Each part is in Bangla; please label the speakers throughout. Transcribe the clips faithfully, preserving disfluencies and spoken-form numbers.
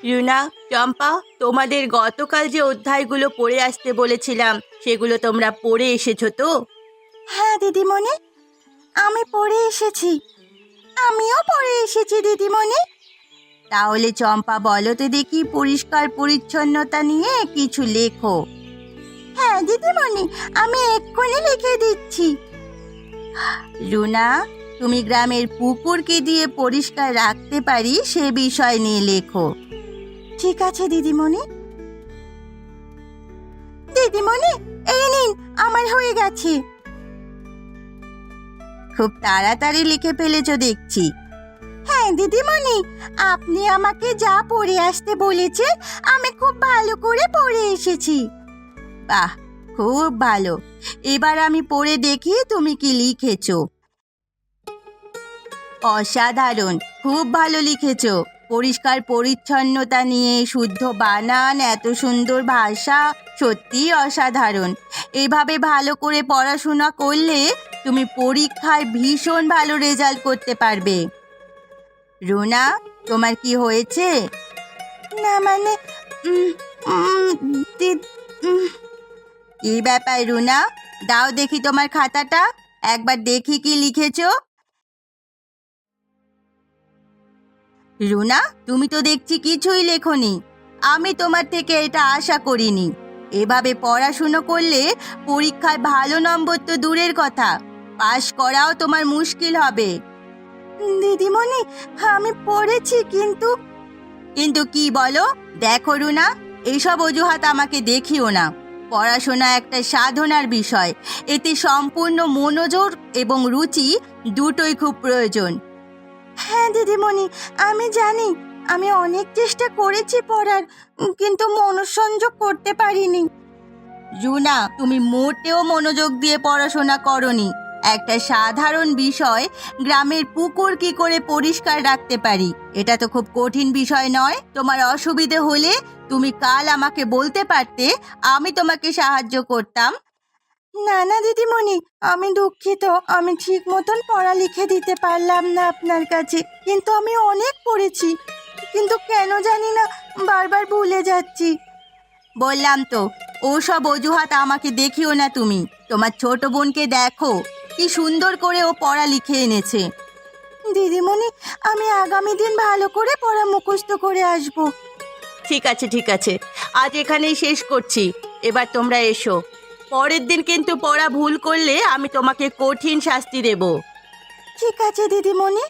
Speaker 1: রুনা, চম্পা, তোমাদের গতকাল যে অধ্যায়গুলো পড়ে আসতে বলেছিলাম সেগুলো তোমরা পড়ে এসেছো তো?
Speaker 2: হ্যাঁ দিদিমণি, আমি পড়ে এসেছি। আমিও পড়ে এসেছি দিদিমণি।
Speaker 1: তাহলে চম্পা বলো তো দেখি, পরিষ্কার পরিচ্ছন্নতা নিয়ে কিছু লেখো।
Speaker 2: হ্যাঁ দিদিমণি, আমি এক্ষুনি লিখে দিচ্ছি।
Speaker 1: রুনা, তুমি গ্রামের পুকুরকে দিয়ে পরিষ্কার রাখতে পারি সে বিষয় নিয়ে লেখো।
Speaker 2: ঠিক আছে দিদিমণি। দিদিমণি, এই নিন, আমার হয়ে গেছে।
Speaker 1: খুব তাড়াতাড়ি লিখে ফেলেছো দেখছি।
Speaker 2: হ্যাঁ দিদিমণি, আপনি আমাকে যা পড়ে আসতে বলেছেন আমি খুব ভালো করে পড়ে এসেছি।
Speaker 1: বাহ, খুব ভালো। এবার আমি পড়ে দেখি তুমি কি লিখেছো। অসাধারণ, খুব ভালো লিখেছো। পরিষ্কার পরিচ্ছন্নতা নিয়ে শুদ্ধ বানান, এত সুন্দর ভাষা, সত্যিই অসাধারণ। এভাবে ভালো করে পড়াশোনা করলে তুমি পরীক্ষায় ভীষণ ভালো রেজাল্ট করতে পারবে। রুনা, তোমার কি হয়েছে?
Speaker 2: না মানে উম, উম, দি- উম,
Speaker 1: কি ব্যাপার রুনা? দাও দেখি তোমার খাতাটা, একবার দেখি কি লিখেছো। রুনা, তুমি তো দেখছি কিছুই লেখোনি। আমি তোমার থেকে এটা আশা করিনি। এভাবে পড়াশুনো করলে পরীক্ষায় ভালো নম্বর তো দূরের কথা, পাশ করাও তোমার মুশকিল হবে।
Speaker 2: দিদিমণি, আমি পড়েছি কিন্তু।
Speaker 1: কিন্তু কি বলো? দেখো রুনা, এইসব অজুহাত আমাকে দেখিও না। পড়াশোনা একটা সাধনার বিষয়, এতে সম্পূর্ণ মনোযোগ এবং রুচি দুটোই খুব প্রয়োজন।
Speaker 2: হ্যাঁ দিদিমণি, আমি জানি। আমি অনেক চেষ্টা করেছি পড়ার, কিন্তু মনোসংযোগ করতে পারিনি।
Speaker 1: রুনা, তুমি মোটেও মনোযোগ দিয়ে পড়াশোনা করনি। একটা সাধারণ বিষয়, গ্রামের পুকুর কি করে পরিষ্কার রাখতে পারি, এটা তো খুব কঠিন বিষয় নয়। তোমার অসুবিধে হলে তুমি কাল আমাকে বলতে পারতে, আমি তোমাকে সাহায্য করতাম।
Speaker 2: না না দিদিমণি, আমি দুঃখিত। আমি ঠিক মতন পড়া লিখে দিতে পারলাম না আপনার কাছে, কিন্তু আমি অনেক পড়েছি। কিন্তু কেন জানি না বারবার ভুলে যাচ্ছি।
Speaker 1: বললাম তো, ওসব অজুহাত আমাকে দেখিও না তুমি। তোমার ছোট বোনকে দেখো, কি সুন্দর করে ও পড়া লিখে এনেছে।
Speaker 2: দিদিমণি, আমি আগামী দিন ভালো করে পড়া মুখস্থ করে আসব।
Speaker 1: ঠিক আছে ঠিক আছে, আজ এখানেই শেষ করছি। এবার তোমরা এসো। পরের দিন কিন্তু পড়া ভুল করলে আমি তোমাকে কঠিন শাস্তি দেব।
Speaker 2: ঠিক আছে দিদিমণি।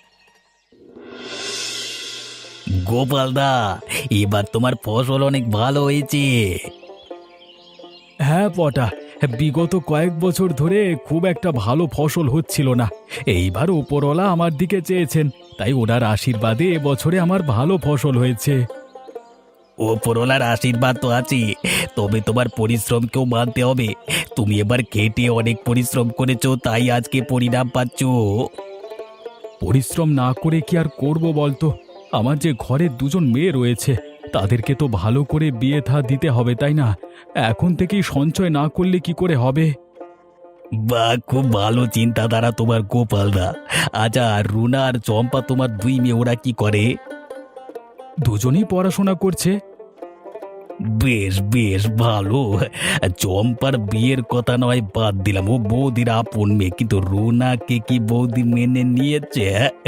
Speaker 3: গোপালদা, এবার তোমার ফসল অনেক ভালো হয়েছে।
Speaker 4: হ্যাঁ পটা, বিগত কয়েক বছর ধরে খুব একটা ভালো ফসল হচ্ছিল না। এইবার ওপরওয়ালা আমার দিকে চেয়েছেন, তাই ওনার আশীর্বাদে এবছরে আমার ভালো ফসল হয়েছে।
Speaker 3: ওপরওয়ালার আশীর্বাদ তো আছে, তবে তোমার পরিশ্রমকেও মানতে হবে। তুমি এবার খেটে অনেক পরিশ্রম করেছো, তাই আজকে পরিণাম পাচ্ছ।
Speaker 4: পরিশ্রম না করে কি আর করব বলতো? আমার যে ঘরে দুজন মেয়ে রয়েছে, তাদেরকে তো ভালো করে বিয়ে থা দিতে হবে, তাই না? এখন থেকেই সঞ্চয় না করলে কি করে হবে?
Speaker 3: বাহ, খুব ভালো চিন্তাধারা তোমার গোপালদা। আচ্ছা, আর রুনা আর চম্পা তোমার দুই মেয়ে, ওরা কি করে?
Speaker 4: দুজনেই পড়াশোনা করছে।
Speaker 3: বেশ বেশ ভালো। চম্পার বিয়ের কথা নয় বাদ দিলাম, ও বৌদির আপন মেয়ে, কিন্তু রুনাকে কি বৌদি মেনে নিয়েছে?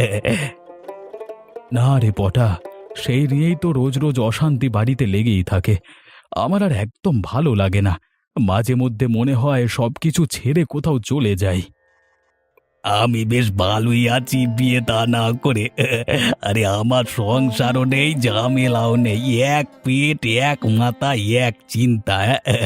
Speaker 4: না রে পটা, সেই নিয়েই তো রোজ রোজ অশান্তি বাড়িতে লেগেই থাকে। আমার আর একদম ভালো লাগে না। মাঝে মধ্যে মনে হয় সবকিছু ছেড়ে কোথাও চলে যাই।
Speaker 3: আমি বেশ ভালোই আছি বিয়ে তা না করে। আরে আমার সংসারও নেই, ঝামেলাও নেই, এক পেট এক মাথা এক চিন্তা।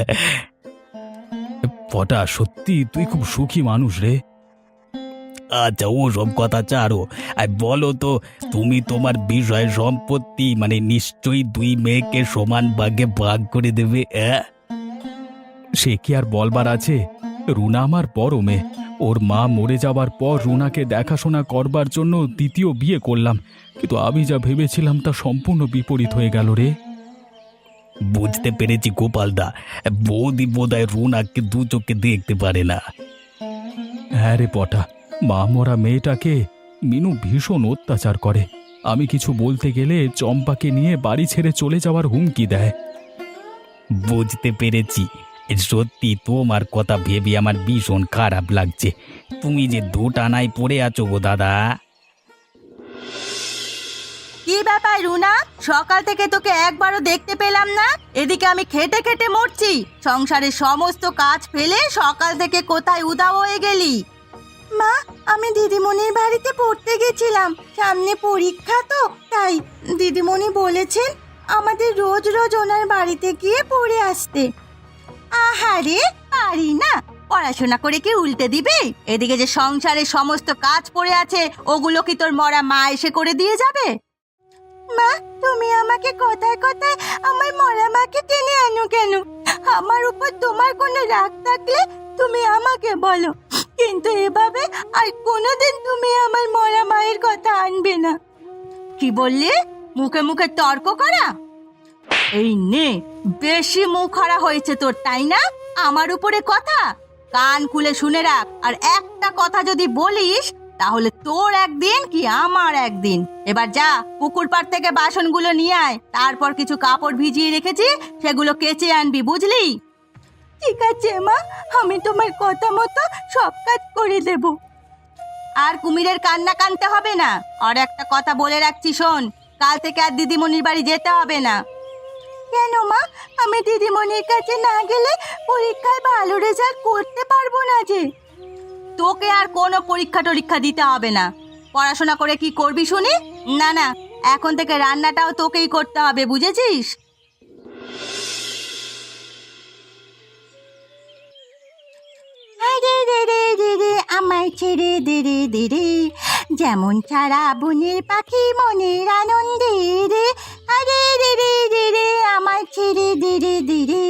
Speaker 4: পটা, সত্যি তুই খুব সুখী মানুষ রে।
Speaker 3: আচ্ছা, ও সব কথা ছাড়ো। আর বলো তো, তুমি তোমার বিষয় সম্পত্তি মানে নিশ্চয়ই দুই মেয়েকে সমান ভাগে ভাগ করে দেবে? হ্যাঁ,
Speaker 4: সে কি আর বলবার আছে? রুনা আমার বড় মেয়ে। ওর মা মরে যাবার পর রুনাকে দেখাশোনা করবার জন্য দ্বিতীয় বিয়ে করলাম, কিন্তু আমি যা ভেবেছিলাম তা সম্পূর্ণ বিপরীত হয়ে গেল রে।
Speaker 3: বুঝতে পেরেছি গোপালদা, বৌদি বোধহয় রুনাকে দু চোখে দেখতে পারে না।
Speaker 4: হ্যাঁ রে পটা, মা মরা মেয়েটাকে মিনু ভীষণ অত্যাচার করে। আমি কিছু বলতে গেলে চম্পাকে নিয়ে বাড়ি ছেড়ে চলে যাওয়ার হুমকি দেয়।
Speaker 3: বুঝতে পেরেছি। সত্যি তোমার কথা ভেবে আমার ভীষণ খারাপ লাগছে। তুমি যে দুটানায় পড়ে আছো গো দাদা।
Speaker 1: কি ব্যাপার রুনা, সকাল থেকে তোকে একবারও দেখতে পেলাম না। এদিকে আমি খেটে খেটে মরছি, সংসারের সমস্ত কাজ ফেলে সকাল থেকে কোথায় উধাও হয়ে গেলি?
Speaker 2: মা, আমি দিদিমণির বাড়িতে পড়তে গেছিলাম, সামনে পরীক্ষা তো তাই। দিদিমণি বলেছেন আমাদের রোজ রোজ ওনার বাড়িতে গিয়ে পড়ে আসতে।
Speaker 1: আহারে, পারি না, পড়াশোনা করে কি উল্টে দিবে? এদিকে যে সংসারের সমস্ত কাজ পড়ে আছে, ওগুলো কি তোর মরা মা এসে করে দিয়ে যাবে?
Speaker 2: মা, তুমি আমাকে কথায় কথায় আমার মরা মাকে টেনে আনো কেন? আমার উপর তোমার কোনো রাগ থাকলে তুমি আমাকে বলো, কিন্তু এভাবে আর কোনোদিন তুমি আমার মরা মায়ের কথা আনবে না।
Speaker 1: কি বললি? মুখে মুখে তর্ক করা? এই নে, বেশি মুখ খাড়া হয়েছে তোর, তাই না? আমার উপরে কথা? কান খুলে শুনে রাখ, আর একটা কথা যদি বলিস তাহলে তোর একদিন কি আমার একদিন। এবার যা, পুকুর পাড় থেকে বাসনগুলো নিয়ে আয়, তারপর কিছু কাপড় ভিজিয়ে রেখেছি, সেগুলো কেচে আনবি, বুঝলি?
Speaker 2: ঠিক আছে মা, আমি তোমার কথা মতো সব কাজ করে দেব।
Speaker 1: আর কুমিরের কান্না কানতে হবে না। আর একটা কথা বলে রাখছি, শোন, কাল থেকে আর দিদিমণির বাড়ি যেতে হবে না।
Speaker 2: কেন মা? আমি দিদিমণির কাছে না গেলে পরীক্ষায় ভালো রেজাল্ট করতে পারবো না যে।
Speaker 1: তোকে আর কোনো পরীক্ষা টরীক্ষা দিতে হবে না। পড়াশোনা করে কি করবি শুনি? না না, এখন থেকে রান্নাটাও তোকেই করতে হবে, বুঝেছিস?
Speaker 2: আরে রে রে রে রে, আমায় ছেড়ে দে রে দে রে, যেমন ছাড়া বনের পাখি মনের আনন্দে রে। আরে রে রে রে রে, আমায় ছেড়ে দে রে দে রে।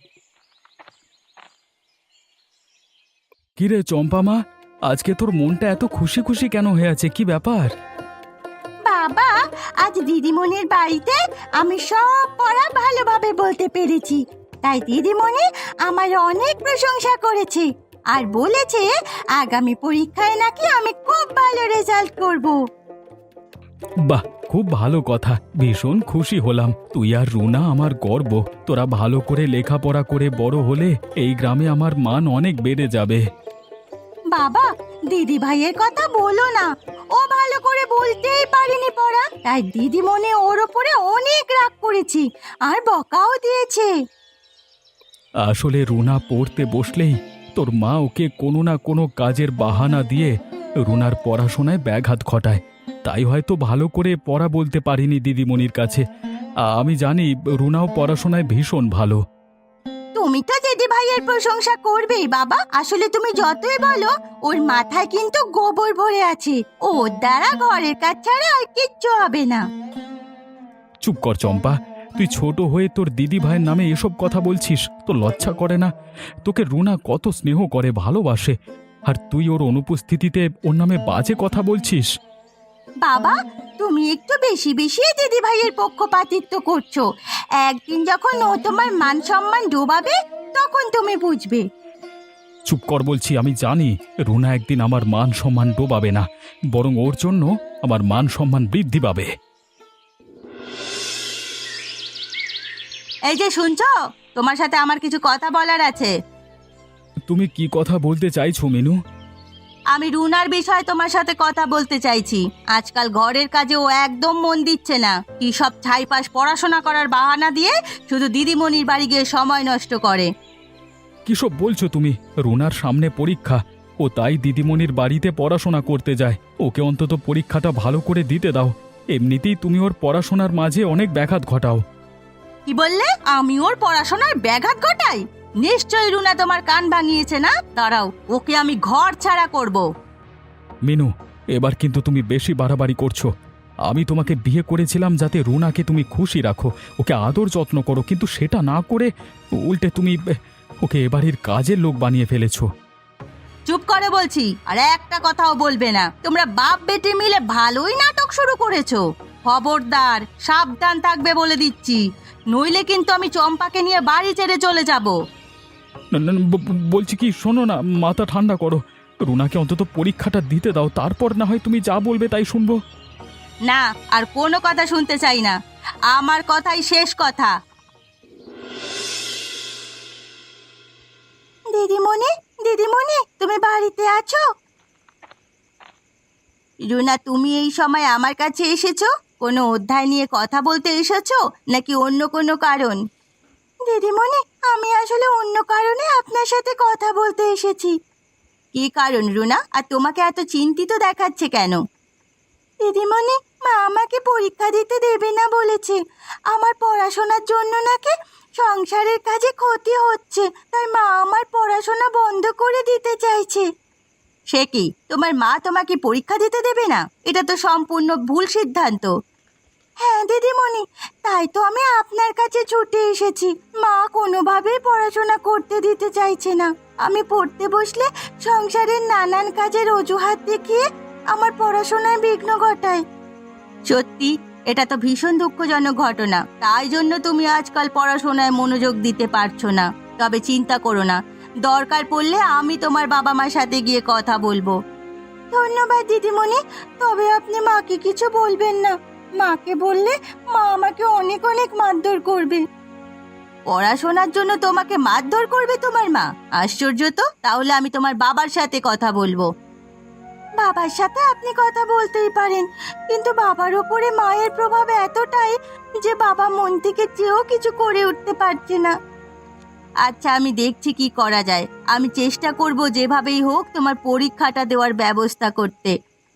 Speaker 4: কিরে চম্পা মা, আজকে তোর মনটা এত খুশি খুশি কেন হয়ে আছে? কি ব্যাপার?
Speaker 2: বাবা, আজ দিদিমণির বাড়িতে আমি সব পড়া ভালোভাবে বলতে পেরেছি, তাই দিদিমণি আমার অনেক প্রশংসা করেছে আর বলেছে আগামী পরীক্ষায় নাকি আমি খুব ভালো রেজাল্ট করব।
Speaker 4: বাহ, খুব ভালো কথা, ভীষণ খুশি হলাম। তুই আর রুনা আমার গর্ব। তোরা ভালো করে লেখাপড়া করে বড় হলে এই গ্রামে আমার মান অনেক বেড়ে যাবে।
Speaker 2: বাবা, দিদি ভাইয়ের কথা বলো না, ও ভালো করে বলতেই পারেনি পড়া, তাই দিদিমণি ওর ওপরে অনেক রাগ করেছি আর বকাও দিয়েছে।
Speaker 4: আসলে রুনা পড়তে বসলেই তোর মা ওকে কোনো না কোনো কাজের বাহানা দিয়ে রুনার পড়াশোনায় ব্যাঘাত ঘটায়, তাই হয়তো ভালো করে পড়া বলতে পারিনি দিদিমণির কাছে। আমি জানি রুনাও পড়াশোনায় ভীষণ ভালো।
Speaker 2: তুমি তো দিদি ভাইয়ের প্রশংসা করবেই বাবা, আসলে তুমি যতই বলো ওর মাথায় কিন্তু গোবর ভরে আছে, ওর দ্বারা ঘরের কাজ ছাড়া আর কিচ্ছু হবে না।
Speaker 4: চুপ কর চম্পা, তুই ছোট হয়ে তোর দিদি ভাইয়ের নামে এসব কথা বলছিস? তো লজ্জা করে না? তোকে রুনা কত স্নেহ করে, ভালোবাসে, আর তুই ওর অনুপস্থিতিতে ওর নামে বাজে কথা বলছিস?
Speaker 2: বাবা, তুমি একটু বেশি বেশি দিদি ভাইয়ের পক্ষপাতিত্ব করছো। একদিন যখন ও তোমার মান সম্মান ডোবাবে তখন তুমি বুঝবে।
Speaker 4: চুপ কর বলছি। আমি জানি রুনা একদিন আমার মান সম্মান ডোবাবে না, বরং ওর জন্য আমার মান সম্মান বৃদ্ধি পাবে।
Speaker 1: এই যে শুনছো, তোমার সাথে আমার কিছু কথা বলার আছে।
Speaker 4: তুমি কি কথা বলতে চাইছো মিনু?
Speaker 1: আমি রুনার বিষয়ে তোমার সাথে কথা বলতে চাইছি। আজকাল ঘরের কাজে ও একদম মন দিচ্ছে না। কি সব ছাইপাশ পড়াশোনা করার বাহানা দিয়ে শুধু দিদিমণির বাড়ি গিয়ে সময় নষ্ট করে।
Speaker 4: কিসব বলছো তুমি? রুনার সামনে পরীক্ষা, ও তাই দিদিমণির বাড়িতে পড়াশোনা করতে যায়। ওকে অন্তত পরীক্ষাটা ভালো করে দিতে দাও। এমনিতেই তুমি ওর পড়াশোনার মাঝে অনেক ব্যাঘাত ঘটাও।
Speaker 1: কি বললে? আমি ওর পড়াশোনার ব্যাঘাত ঘটাই? নিশ্চয়ই রুনা তোমার কান ভাঙিয়েছে না? দাঁড়াও, ওকে আমি ঘর ছাড়া করব।
Speaker 4: মিনু, এবার কিন্তু তুমি বেশি বাড়াবাড়ি করছো। আমি তোমাকে বিয়ে করেছিলাম যাতে রুনাকে তুমি খুশি রাখো, ওকে আদর যত্ন করো, কিন্তু সেটা না করে উল্টে তুমি ওকে এবাড়ির কাজের লোক বানিয়ে ফেলেছো।
Speaker 1: চুপ করে বলছি, আর একটা কথাও বলবে না। তোমরা বাপ বেটি মিলে ভালোই নাটক শুরু করেছো। খবরদার, সাবধান থাকবে বলে দিচ্ছি, নইলে কিন্তু আমি চম্পাকে নিয়ে বাড়ি ছেড়ে চলে যাব।
Speaker 4: না, না, ব- ব- বলছি কি, শোনো না, মাথা ঠান্ডা করো। রুনাকে অন্তত পরীক্ষাটা দিতে দাও, তারপর না হয় তুমি যা বলবে তাই শুনবো।
Speaker 1: না, আর কোনো কথা শুনতে চাই না। আমার কথাই শেষ কথা।
Speaker 2: দিদিমণি, দিদিমণি, তুমি বাড়িতে আছো?
Speaker 1: রুনা, তুমি এই সময় আমার কাছে এসেছো? কোনো অধ্যায় নিয়ে কথা বলতে এসেছো নাকি অন্য কোনো কারণ?
Speaker 2: দিদিমণি, আমি আসলে অন্য কারণে আপনার সাথে কথা বলতে এসেছি।
Speaker 1: কি কারণ রুনা? আর তোমাকে এত চিন্তিত দেখাচ্ছে কেন?
Speaker 2: দিদিমণি, মা আমাকে পরীক্ষা দিতে দেবে না বলেছে। আমার পড়াশোনার জন্য নাকি সংসারের কাজে ক্ষতি হচ্ছে, তাই মা আমার পড়াশোনা বন্ধ করে দিতে চাইছে।
Speaker 1: সে কি, তোমার মা তোমাকে পরীক্ষা দিতে দেবে না? এটা তো সম্পূর্ণ ভুল সিদ্ধান্ত।
Speaker 2: হ্যাঁ দিদিমণি, তাই তো আমি আপনার কাছে ছুটে এসেছি। মা কোনোভাবেই পড়াশোনা করতে দিতে চাইছে না। আমি পড়তে বসলে সংসারের নানান কাজের অজুহাত দেখিয়ে আমার পড়াশোনায় বিঘ্ন ঘটায়।
Speaker 1: সত্যি, এটা তো ভীষণ দুঃখজনক ঘটনা। তাই জন্য তুমি আজকাল পড়াশোনায় মনোযোগ দিতে পারছো না। তবে চিন্তা করো না, দরকার পড়লে আমি তোমার বাবা মার সাথে গিয়ে কথা বলবো।
Speaker 2: ধন্যবাদ দিদিমণি, তবে আপনি মাকে কিছু বলবেন না। মাকে বললে মা আমাকে অনেক অনেক মারধর করবে।
Speaker 1: পড়াশোনার জন্য তোমাকে মারধর করবে তোমার মা? আশ্চর্য তো। তাহলে আমি তোমার বাবার সাথে কথা বলবো।
Speaker 2: বাবার সাথে আপনি কথা বলতেই পারেন, কিন্তু বাবার ওপরে মায়ের প্রভাব এতটাই যে বাবা মন থেকে চেয়েও কিছু করে উঠতে পারছে না।
Speaker 1: আচ্ছা, আমি দেখছি কি করা যায়। আমি চেষ্টা করব যেভাবেই হোক তোমার পরীক্ষাটা দেওয়ার ব্যবস্থা করতে।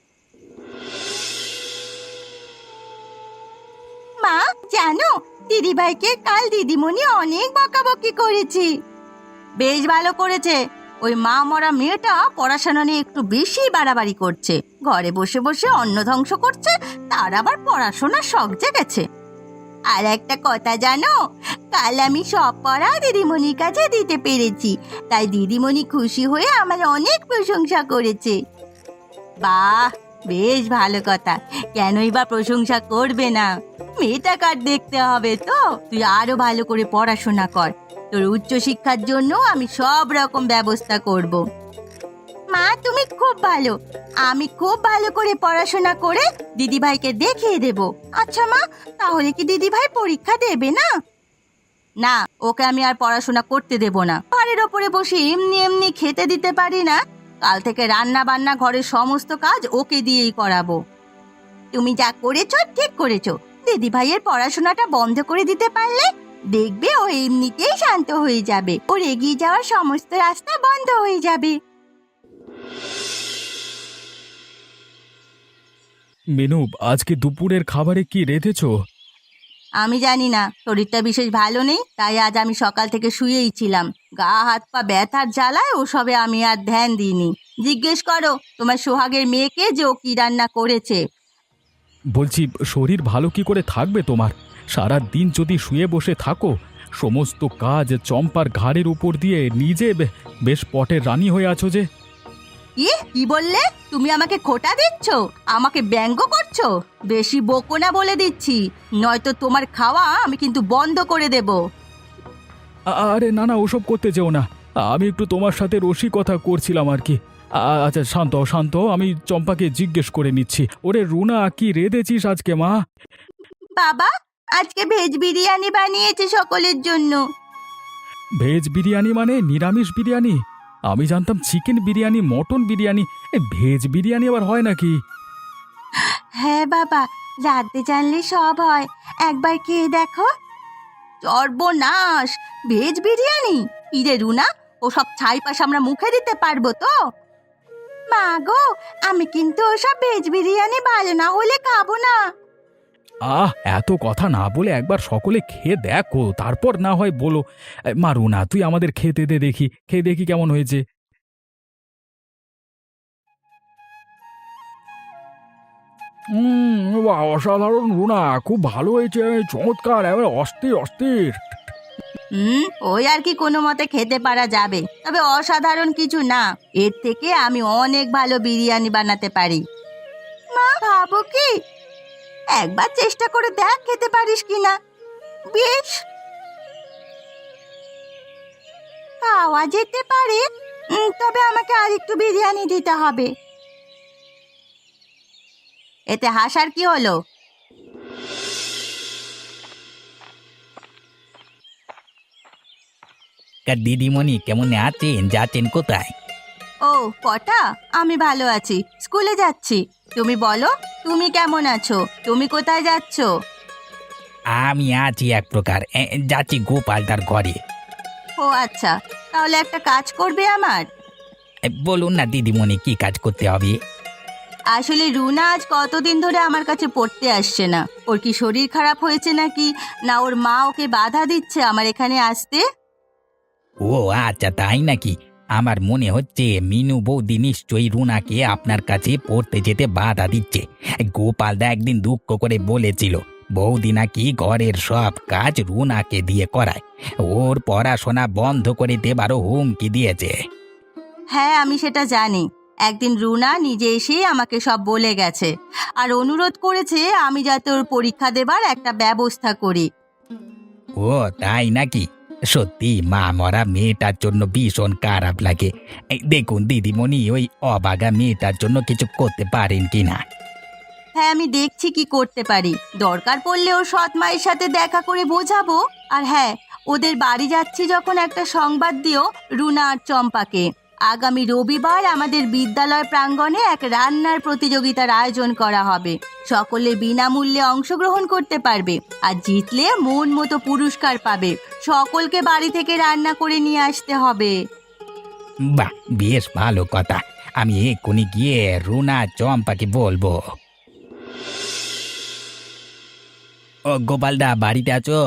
Speaker 2: মা জানো, দিদিভাইকে কাল দিদিমণি অনেক বকাবকি করেছি।
Speaker 1: বেশ ভালো করেছে। ওই মা মরা মেয়েটা পড়াশোনা নিয়ে একটু বেশি বাড়াবাড়ি করছে। ঘরে বসে বসে অন্ন ধ্বংস করছে, তার আবার পড়াশোনার শখ জেগেছে। আর একটা কথা জানো, কাল আমি সব পড়া দিদিমণির কাছে দিতে পেরেছি, তাই দিদিমণি খুশি হয়ে আমার অনেক প্রশংসা করেছে। বাহ, বেশ ভালো কথা। কেনই বা প্রশংসা করবে না? মেয়েটা কার দেখতে হবে তো। তুই আরো ভালো করে পড়াশোনা কর। তোর উচ্চশিক্ষার জন্য আমি সব রকম ব্যবস্থা করব।
Speaker 2: মা তুমি খুব ভালো। আমি খুব ভালো করে পড়াশোনা করে দিদিভাইকে দেখিয়ে দেব। আচ্ছা মা, তাহলে কি দিদিভাই পরীক্ষা দেবে না?
Speaker 1: না, ওকে আমি আর পড়াশোনা করতে দেব না। ঘরের ওপরে বসে এমনি এমনি খেতে দিতে পারি না। কাল থেকে রান্না বান্না ঘরের সমস্ত কাজ ওকে দিয়েই করাবো।
Speaker 2: তুমি যা করেছো ঠিক করেছো। দিদিভাইয়ের পড়াশোনাটা বন্ধ করে দিতে পারলে দেখবে ও এমনিতেই শান্ত হয়ে যাবে। ওর এগিয়ে যাওয়ার সমস্ত রাস্তা বন্ধ হয়ে যাবে।
Speaker 4: মেনু, আজকে দুপুরের খাবারে কি রেঁধেছো?
Speaker 1: আমি জানি না, শরীরটা বিশেষ ভালো নেই, তাই আজ আমি সকাল থেকে শুয়েই ছিলাম। গা হাত পা ব্যথার জ্বালায় ওসবে আমি আর ধ্যান দিইনি। জিজ্ঞেস করো তোমার সোহাগের মেয়েকে যে ও কি রান্না করেছে।
Speaker 4: বলছি, শরীর ভালো কি করে থাকবে তোমার? সারা দিন যদি শুয়ে বসে থাকো, সমস্ত কাজ চম্পার ঘাড়ের উপর দিয়ে নিজে বে- বেশ পটের রানী হয়ে আছো যে।
Speaker 1: কি কি বললে? তুমি আমাকে খোটা দিচ্ছ? আমাকে ব্যঙ্গ করছো? বেশি বকো না বলে দিচ্ছি, নয়তো তোমার খাওয়া আমি কিন্তু বন্ধ করে দেব।
Speaker 4: আ- আরে না না, ওসব করতে যেও না। আমি একটু তোমার সাথে রসিকতা করছিলাম আর কি। আ- আচ্ছা শান্ত হও, শান্ত হও, আমি চম্পাকে জিজ্ঞেস করে নিচ্ছি। ওরে রুনা, কি রেঁধেছিস আজকে মা?
Speaker 1: বাবা, আজকে ভেজ বিরিয়ানি বানিয়েছে সকলের জন্য।
Speaker 4: ভেজ বিরিয়ানি মানে নিরামিষ বিরিয়ানি? আমি জানতাম চিকেন বিরিয়ানি, মটন বিরিয়ানি। এ, ভেজ বিরিয়ানি আবার হয় নাকি?
Speaker 2: হ্যাঁ বাবা, রাতে জানলে সব হয়। একবার খেয়ে দেখো।
Speaker 1: সর্বনাশ! ভেজ বিরিয়ানি? ইরে রুনা, ও সব ছাইপাশ আমরা মুখে দিতে পারবো তো?
Speaker 2: মা গো, আমি কিন্তু ওসব ভেজ বিরিয়ানি ভালো না হলে খাবো না।
Speaker 4: আহ, এত কথা না বলে একবার সকলে খেয়ে দেখো, তারপর না হয় বলো। এ, মা রুনা, তুই আমাদের খেতে দে দেখি, খেয়ে দেখি কেমন হয়েছে। হুম, বাহ, অসাধারণ রুনা, খুব ভালো হয়েছে, চমৎকার, এবার অস্থির অস্থির।
Speaker 1: হুম, ওই আর কি কোনো মতে খেতে পারা যাবে, তবে অসাধারণ কিছু না। এর থেকে আমি অনেক ভালো বিরিয়ানি বানাতে পারি।
Speaker 2: মা খাবো কি? একবার চেষ্টা করে দেখ খেতে পারিস কিনা। বেশ, খাওয়া যেতে পারে, উম, তবে আমাকে আরেকটু বিরিয়ানি দিতে হবে।
Speaker 1: এতে হাসার কি হলো?
Speaker 3: দিদিমণি কেমন আছেন? যাচ্ছেন কোথায়?
Speaker 1: ও কটা, আমি ভালো আছি, স্কুলে যাচ্ছি। তুমি বলো, তুমি কেমন আছো? তুমি কোথায় যাচ্ছ?
Speaker 3: আমি আছি এক প্রকার, এ, যাচ্ছি গোপালদার ঘরে।
Speaker 1: ও আচ্ছা, তাহলে একটা কাজ করবে আমার।
Speaker 3: এ, বলুন না দিদিমণি, কি কাজ করতে হবে?
Speaker 1: আসলে রুনা আজ কতদিন ধরে আমার কাছে পড়তে আসছে না। ওর কি শরীর খারাপ হয়েছে নাকি, না ওর মা ওকে বাধা দিচ্ছে আমার এখানে আসতে?
Speaker 3: ও আচ্ছা, তাই নাকি? আমার মনে হচ্ছে মিনু বৌদি নিশ্চয়ই রুনাকে আপনার কাছে পড়তে যেতে বাধা দিচ্ছে। গোপালদা একদিন দুঃখ করে বলেছিল বৌদি নাকি ঘরের সব কাজ রুনাকে দিয়ে করায়, ওর পড়াশোনা বন্ধ করে দেবারও হুমকি দিয়েছে।
Speaker 1: হ্যাঁ, আমি সেটা জানি। একদিন রুনা নিজে এসে আমাকে সব বলে গেছে, আর অনুরোধ করেছে আমি যাতে ওর পরীক্ষা দেবার একটা ব্যবস্থা করি।
Speaker 3: ও তাই নাকি? সত্যি মা মরা মেয়েটার জন্য ভীষণ খারাপ লাগে। এই দেখুন দিদিমণি, ওই অবাগা মেয়েটার জন্য কিছু করতে পারেন কিনা।
Speaker 1: হ্যাঁ, আমি দেখছি কি করতে পারি। দরকার পড়লে ওর সৎ মায়ের সাথে দেখা করে বোঝাবো। আর হ্যাঁ, ওদের বাড়ি যাচ্ছি যখন একটা সংবাদ দিও রুনা আর চম্পাকে। আগামী রবিবার আমাদের বিদ্যালয় প্রাঙ্গণে এক রান্নার প্রতিযোগিতার আয়োজন করা হবে। সকলে বিনামূল্যে অংশগ্রহণ করতে পারবে, আর জিতলে মন মতো পুরস্কার পাবে। সকলকে বাড়ি থেকে রান্না করে নিয়ে আসতে হবে।
Speaker 3: বাহ, বেশ ভালো কথা। আমি এক্ষুনি গিয়ে রুনা চম্পাকে বলবো। ও গোপালদা, বাড়িতে আছো?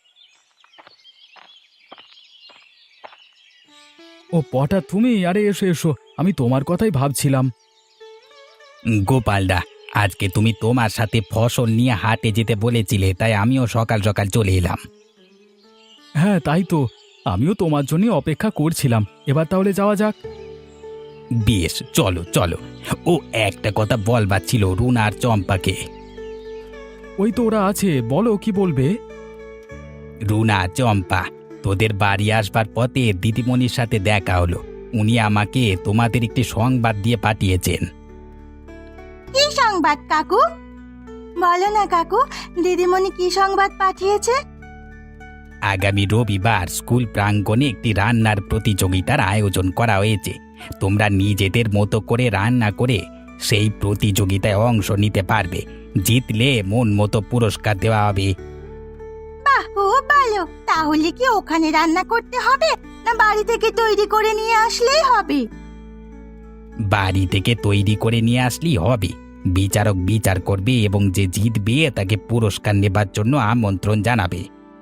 Speaker 4: ও পটা, তুমি? আরে এসো এসো, আমি তোমার কথাই ভাবছিলাম।
Speaker 3: গোপালদা, আজকে তুমি তোমার সাথে ফসল নিয়ে হাটে যেতে বলেছিলে, তাই আমিও সকাল সকাল চলে এলাম।
Speaker 4: হ্যাঁ তাই তো, আমিও তোমার জন্য অপেক্ষা করছিলাম। এবার তাহলে যাওয়া যাক।
Speaker 3: বেশ, চলো চলো। ও একটা কথা বলবার ছিল রুনা আর চম্পাকে।
Speaker 4: ওই তো ওরা আছে, বলো কি বলবে।
Speaker 3: রুনা, চম্পা, তোদের বাড়ি আসবার পথে দিদিমণির সাথে দেখা হলো। উনি আমাকে তোমাদের একটি সংবাদ দিয়ে পাঠিয়েছেন।
Speaker 2: কি সংবাদ কাকু? বলো না কাকু, দিদিমণি কি সংবাদ পাঠিয়েছে?
Speaker 3: আগামী রবিবার স্কুল প্রাঙ্গণে একটি রান্নার প্রতিযোগিতার আয়োজন করা হয়েছে। তোমরা নিজেদের মতো করে রান্না করে সেই প্রতিযোগিতায় অংশ নিতে পারবে। জিতলে মন মতো পুরস্কার দেওয়া হবে।
Speaker 2: বাহ, খুব ভালো। তাহলে কি ওখানে রান্না করতে হবে, না বাড়ি থেকে তৈরি করে নিয়ে আসলেই হবে?
Speaker 3: বাড়ি থেকে তৈরি করে নিয়ে আসলেই হবে। বিচারক বিচার করবে এবং যে জিতবে তাকে পুরস্কার নেবার জন্য আমন্ত্রণ জানাবে।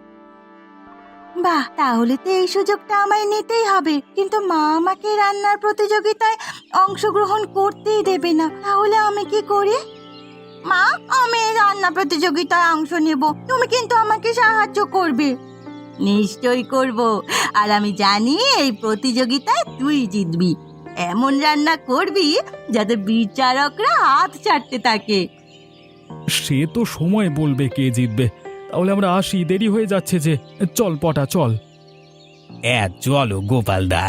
Speaker 2: বাহ, তাহলে তো এই সুযোগটা আমায় নিতেই হবে। কিন্তু মা আমাকে রান্নার প্রতিযোগিতায় অংশগ্রহণ করতেই দেবে না। তাহলে আমি কি করি? মা, আমি এই রান্না প্রতিযোগিতায় অংশ নেব, তুমি কিন্তু আমাকে সাহায্য করবে।
Speaker 1: নিশ্চয়ই করব। আর আমি জানি এই প্রতিযোগিতায় তুই জিতবি। এমন রান্না করবি যাতে বিচারকরা হাত ছাড়তে থাকে।
Speaker 4: সে তো সময় বলবে কে জিতবে। তাহলে আমরা আসি, দেরি হয়ে যাচ্ছে যে। চল পটা, চল।
Speaker 3: এ চলো গোপালদা।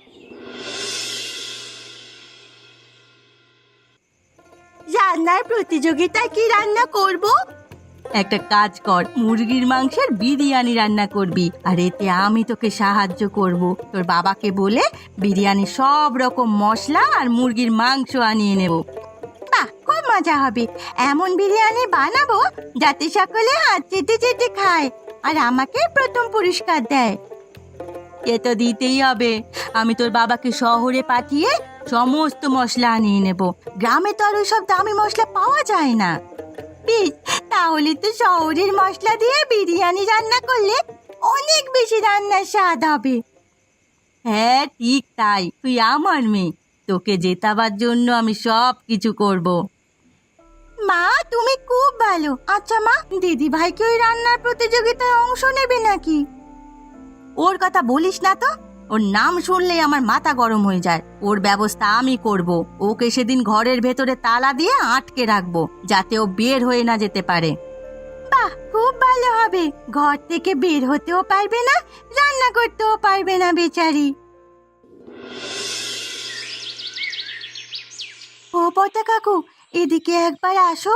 Speaker 2: রান্নার প্রতিযোগিতায় কি রান্না করব?
Speaker 1: একটা কাজ কর, মুরগির মাংসের বিরিয়ানি রান্না করবি, আর এতে আমি তোকে সাহায্য করব। তোর বাবাকে বলে বিরিয়ানি সব রকম মশলা আর মুরগির মাংস আনিয়ে নেব।
Speaker 2: বাহ, খুব মজা হবে। এমন বিরিয়ানি বানাবো যাতে সকলে হাত চেটে চেটে খায় আর আমাকে প্রথম পুরস্কার দেয়।
Speaker 1: এ তো দিতেই হবে। আমি তোর বাবাকে শহরে পাঠিয়ে সমস্ত মশলা আনিয়ে নেব।
Speaker 2: গ্রামে তো আর ওইসব দামি মশলা পাওয়া যায় না। বেশ, তাহলে তো শহরের মশলা দিয়ে বিরিয়ানি রান্না করলে অনেক বেশি রান্নার স্বাদ হবে।
Speaker 1: হ্যাঁ ঠিক তাই, তুই আমার মেয়ে, তোকে জেতাবার জন্য আমি সব কিছু করব।
Speaker 2: মা, তুমি খুব ভালো। আচ্ছা মা, দিদি ভাইকে ওই রান্নার প্রতিযোগিতায় অংশ নেবে নাকি?
Speaker 1: ওর কথা বলিস না তো। ওর নাম শুনলেই আমার মাথা গরম হয়ে যায়। ওর ব্যবস্থা আমি করব। ওকে সেদিন ঘরের ভেতরে তালা দিয়ে আটকে রাখবো, যাতে ও বের হয়ে না যেতে পারে।
Speaker 2: বাহ, খুব ভালো হবে। ঘর থেকে বের হতেও পারবে না, রান্না করতেও পারবে না বেচারি। ও পটা কাকু, এদিকে একবার আসো।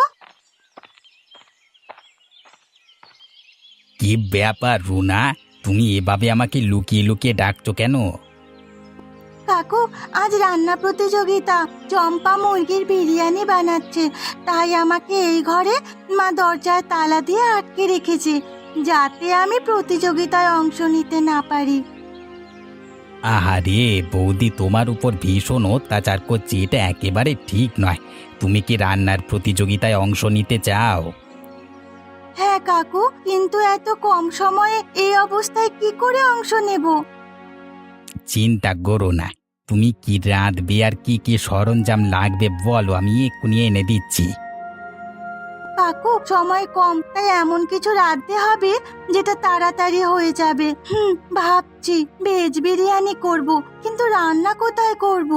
Speaker 3: কি ব্যাপার রুনা, তুমি এভাবে আমাকে লুকিয়ে লুকিয়ে ডাকছো কেন?
Speaker 2: কাকু, আজ রান্না প্রতিযোগিতা, চম্পা মুরগির বিরিয়ানি বানাচ্ছে, তাই আমাকে এই ঘরে মা দরজায় তালা দিয়ে আটকে রেখেছে, যাতে আমি প্রতিযোগিতায় অংশ নিতে না পারি।
Speaker 3: আহারে বৌদি, তোমার উপর ভীষণ অত্যাচার করছে, এটা একেবারে ঠিক নয়। তুমি কি রান্নার প্রতিযোগিতায় অংশ নিতে চাও?
Speaker 2: হ্যাঁ কাকু, কিন্তু এত কম সময়ে এই অবস্থায় কি করে অংশ নেব?
Speaker 3: চিন্তা করো না, তুমি কি রাঁধবে আর কি কি সরঞ্জাম লাগবে বলো, আমি এক্ষুনি এনে দিচ্ছি।
Speaker 2: কাকু, সময় কম, তাই এমন কিছু রাঁধতে হবে যেটা তাড়াতাড়ি হয়ে যাবে। হুম, ভাবছি ভেজ বিরিয়ানি করব, কিন্তু রান্না কোথায় করব?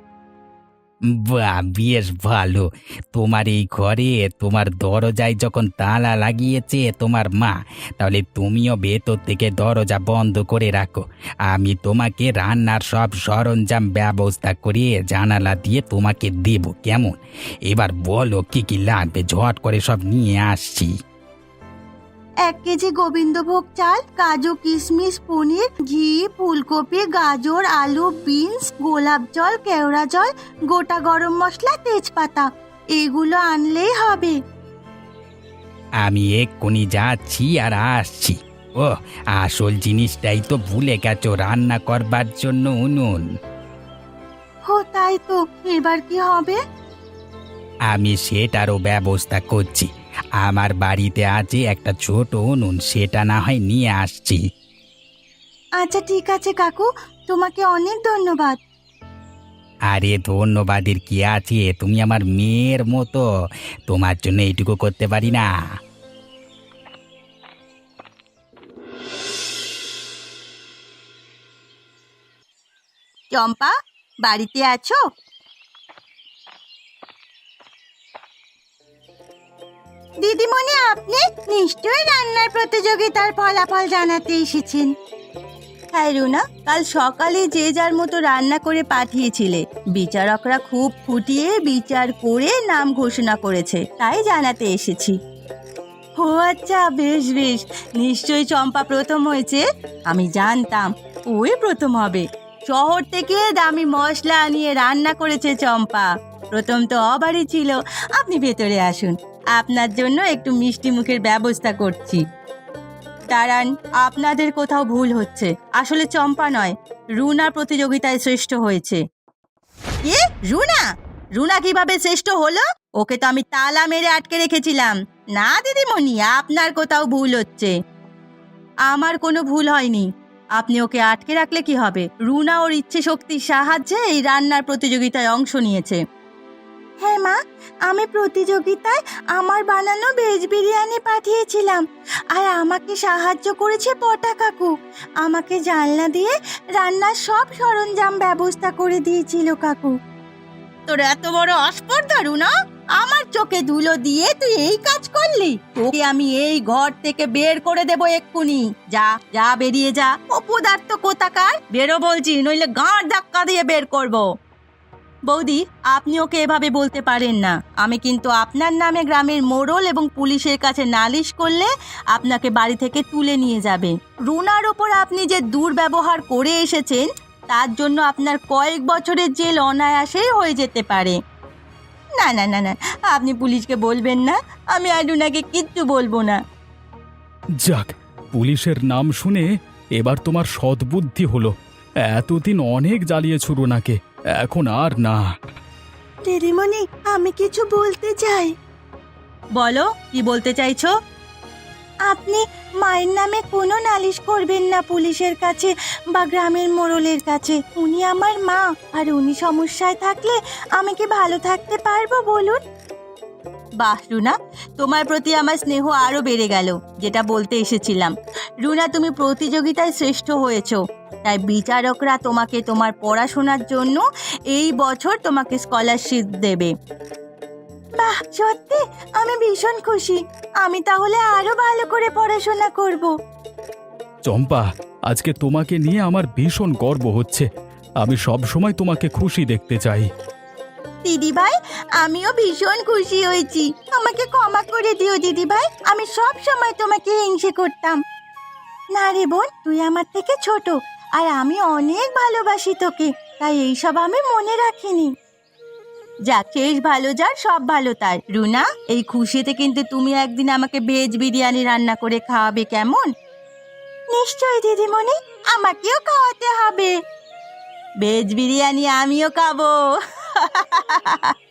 Speaker 3: বাহ, বেশ ভালো। তোমার এই ঘরে তোমার দরজায় যখন তালা লাগিয়েছে তোমার মা, তাহলে তুমিও ভেতর থেকে দরজা বন্ধ করে রাখো। আমি তোমাকে রান্নার সব সরঞ্জাম ব্যবস্থা করে জানালা দিয়ে তোমাকে দেব, কেমন? এবার বলো কি কি লাগবে, ঝট করে সব নিয়ে আসছি।
Speaker 2: এক কেজি গোবিন্দভোগ চাল, কাজু কিশমিশ, পনির, ঘি, ফুলকপি, গাজর, আলু, বিনস, গোলাপ জল, কেওড়া জল, গোটা গরম মশলা, তেজপাতা, এগুলো আনলেই হবে।
Speaker 3: আমি এক্ষুনি যাচ্ছি আর আসছি। ও, আসল জিনিসটাই তো ভুলে গেছো, রান্না করবার জন্য উনুন।
Speaker 2: হো, তাই তো, এবার কি হবে?
Speaker 3: আমি সেটারও ব্যবস্থা করছি। আমার বাড়িতে আছে একটা ছোট উনুন, সেটা না হয় নিয়ে আসছি।
Speaker 2: আচ্ছা ঠিক আছে কাকু, তোমাকে অনেক ধন্যবাদ।
Speaker 3: আরে ধন্যবাদের কি আছে, তুমি আমার মেয়ের মতো, তোমার জন্য এইটুকু করতে পারি না?
Speaker 1: চম্পা, বাড়িতে আছো?
Speaker 2: দিদিমণি, আপনি নিশ্চয়ই রান্নার প্রতিযোগিতার ফলাফল জানাতে এসেছেন।
Speaker 1: হ্যাঁ রুনা, কাল সকালে যে যার মতো রান্না করে পাঠিয়েছিলে, বিচারকরা খুব ফুটিয়ে বিচার করে নাম ঘোষণা করেছে, তাই জানাতে এসেছি। ও আচ্ছা, বেশ বেশ, নিশ্চয়ই চম্পা প্রথম হয়েছে। আমি জানতাম ওই প্রথম হবে। শহর থেকে দামি মশলা আনিয়ে রান্না করেছে চম্পা। প্রথম তো অবারই ছিল। আপনি ভেতরে আসুন, আপনার জন্য একটু মিষ্টি মুখের ব্যবস্থা করছি। দাঁড়ান, আপনাদের কোথাও ভুল হচ্ছে। আসলে চম্পা নয়, রুনা প্রতিযোগিতায় শ্রেষ্ঠ হয়েছে। কি? রুনা? রুনা কিভাবে শ্রেষ্ঠ হলো? ওকে তো আমি তালা মেরে আটকে রেখেছিলাম। না দিদিমণি, আপনার কোথাও ভুল হচ্ছে। আমার কোনো ভুল হয়নি। আপনি ওকে আটকে রাখলে কি হবে? রুনা ওর ইচ্ছে শক্তির সাহায্যে এই রান্নার প্রতিযোগিতায় অংশ নিয়েছে।
Speaker 2: হ্যাঁ মা, আমি প্রতিযোগিতায় আমার বানানো ভেজ বিরিয়ানি পাঠিয়েছিলাম, আর আমাকে সাহায্য করেছে পটা কাকু। আমাকে জানলা দিয়ে রান্নার সব সরঞ্জাম ব্যবস্থা করে দিয়েছিল কাকু।
Speaker 1: তোর এত বড় অস্পর্ধা রুনা! আমার চোখে ধুলো দিয়ে তুই এই কাজ করলি? তোকে আমি এই ঘর থেকে বের করে দেবো এক্ষুনি। যা যা, বেরিয়ে যা। অপদার্থ কোথাকার, বেরো বলছি, নইলে গাঁড় ধাক্কা দিয়ে বের করবো। বৌদি, আপনি ওকে এভাবে বলতে পারেন না। আমি কিন্তু আপনার নামে গ্রামের মোড়ল এবং পুলিশের কাছে নালিশ করলে আপনাকে বাড়ি থেকে তুলে নিয়ে যাবে। রুনার ওপর আপনি যে দুর্ব্যবহার করে এসেছেন, তার জন্য আপনার কয়েক বছরের জেল অনায়াসেই হয়ে যেতে পারে। না না না না, আপনি পুলিশকে বলবেন না। আমি আর রুনাকে কিচ্ছু বলবো না।
Speaker 4: যাক, পুলিশের নাম শুনে এবার তোমার সদ্বুদ্ধি হলো। এতদিন অনেক জ্বালিয়েছ রুনাকে, এখন আর না।
Speaker 2: দিদিমণি, আমি কিছু বলতে চাই।
Speaker 1: বলো, কি বলতে চাইছো?
Speaker 2: আপনি মায়ের নামে কোনো নালিশ করবেন না পুলিশের কাছে বা গ্রামের মোড়লের কাছে। উনি আমার মা, আর উনি সমস্যায় থাকলে আমি কি ভালো থাকতে পারবো বলুন?
Speaker 1: বাহ রুনা, তোমার প্রতি আমার স্নেহ আরো বেড়ে গেল। যেটা বলতে এসেছিলাম, রুনা, তুমি প্রতিযোগিতায় শ্রেষ্ঠ হয়েছো, তাই বিচারকরা তোমাকে তোমার পড়াশোনার জন্য এই বছর তোমাকে স্কলারশিপ দেবে।
Speaker 2: বাহ, সত্যি আমি ভীষণ খুশি। আমি তাহলে আরো ভালো করে পড়াশোনা করব।
Speaker 4: চম্পা, আজকে তোমাকে নিয়ে আমার ভীষণ গর্ব হচ্ছে। আমি সব সময় তোমাকে খুশি দেখতে চাই।
Speaker 1: দিদি ভাই, আমিও ভীষণ খুশি হয়েছি। আমাকে ক্ষমা করে দিও দিদি ভাই, আমি সব সময় তোমাকে হিংসে করতাম।
Speaker 2: না রে বোন, তুই আমার থেকে ছোট, আর আমি অনেক ভালোবাসি তোকে, তাই এইসব আমি মনে রাখিনি।
Speaker 1: যাক, শেষ ভালো যার সব ভালো তার। রুনা, এই খুশিতে কিন্তু তুমি একদিন আমাকে ভেজ বিরিয়ানি রান্না করে খাওয়াবে, কেমন?
Speaker 2: নিশ্চয়ই দিদিমণি, আমাকেও খাওয়াতে হবে।
Speaker 1: ভেজ বিরিয়ানি আমিও খাবো।